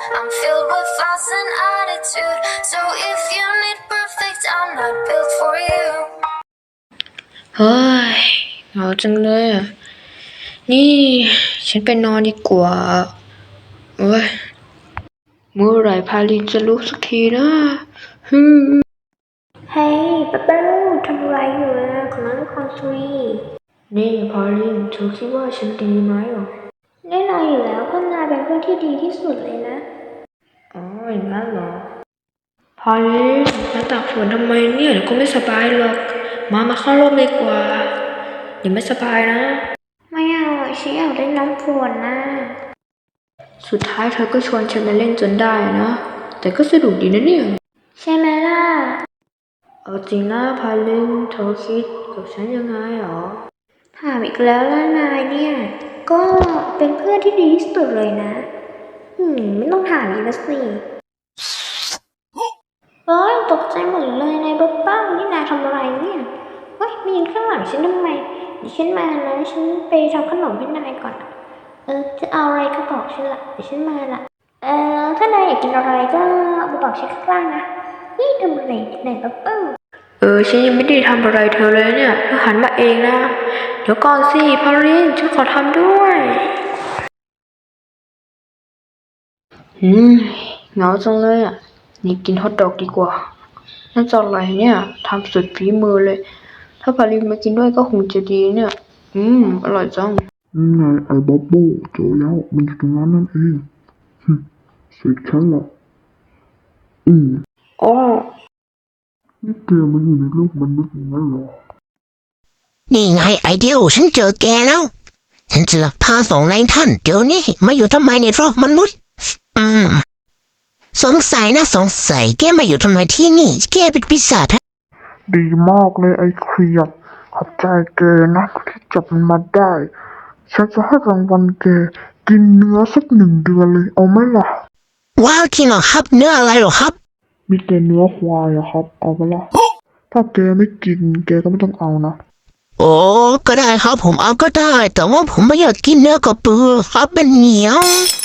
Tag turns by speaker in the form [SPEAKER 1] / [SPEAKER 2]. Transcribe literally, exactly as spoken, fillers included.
[SPEAKER 1] I'm filled with thoughts and attitude. So if you need perfect, I'm not built for you.
[SPEAKER 2] เฮ้ยเหงาจังเลยอ่ะนี่ฉันไปนอนดีกว่าโอ้ยเมื่อไหร่พาลินจะลุกสักทีนะฮึมเฮ้ยป๊าป๊าทำอะไรอยู่อ่ะคุณน้องคอนทรีนี่พาลินเธอคิดว่าฉันดีไหมอ่ะแน่นอนอยู่แล้วเพื่อนนายเป็นเพื่อนที่ดีที่สุดเลยนะอ๋ออย่างนั้นเหรอพาลินมาตากฝนทำไมเนี่ยเดี๋ยวก็ไม่สบายหรอกมามาเข้าร่มดีกว่าอย่าไม่สบายนะไม่เอาฉันอยากเล่นน้ำฝนนะสุดท้ายเธอก็ชวนฉันมาเล่นจนได้นะแต่ก็สนุกดีนะเนี่ยใช่ไหมล่ะเอาจริงนะพาลินเธอคิดกับฉันยังไงหรอถามอีกแล้วล่ะนายเนี่ยก็เป็นเพื่อนที่ดีที่สุดเลยนะอืมไม่ต้องถามอีกแล้วสิเฮ้ยตกใจหมดเลยนายบ๊อบบ้านี่นายทำอะไรเนี่ยเฮ้ยมายืนข้างหลังฉันทำไมเดี๋ยวฉันมานะฉันไปทำขนมให้นายก่อนเออจะเอาอะไรก็บอกฉันละเดี๋ยวฉันมาละเออถ้านายอยากกินอะไรก็มาบอกฉันข้างล่างนะนี่ทำอะไรนายบ๊อบบ้าเออฉันยังไม่ได้ทำอะไรเธอเลยเนี่ยเธอหันมาเองนะเดี๋ยวก่อนสิพอลินฉันขอทำด้วยอืมเหงาจังเลยอ่ะนี่กินฮอทดอกดีกว่าน่าจะอร่อยเนี่ยทำสุดฝีมือเลยถ้าพาลินมากินด้วยก็คงจะดีเนี่ยอืมอร่อยจัง
[SPEAKER 3] นี่ไงไอ้บับเบิ้ลเจอแล้วมันอยู่ตรงนั้นนั่นเองฮึเสร็จฉันละอืม
[SPEAKER 2] อ๋อ
[SPEAKER 3] นี่แกมันอยู่ในโลกมนุษย์อย่างนั้นเหรอ
[SPEAKER 4] นี่ไงไอเดียวฉันเจอแกแล้วฉันจะพาส่งนายท่านเดี๋ยวนี้มาอยู่ทำไมในโลกมนุษย์อืมสงสัยนะสงสัยแกมาอยู่ทำไมที่นี่แกเป็นปีศาจฮะ
[SPEAKER 3] ดีมากเลยไอ้เครียดขอบใจแกนะที่จับมันมาได้ฉันจะให้รางวัลแกกินเนื้อสักหนึ่งเดือนเลยเอาไหมล่ะ
[SPEAKER 4] ว้าวจริงเหรอครับเนื้ออะไรเหรอครับ
[SPEAKER 3] มีแต่เนื้อควายอะครับเอาไปละถ้าแกไม่กินแกก็ไม่ต้องเอานะ
[SPEAKER 4] โอ้ก็ได้ครับผมเอาก็ได้แต่ว่าผมไม่อยากกินเนื้อกระปือครับเป็นเหนียว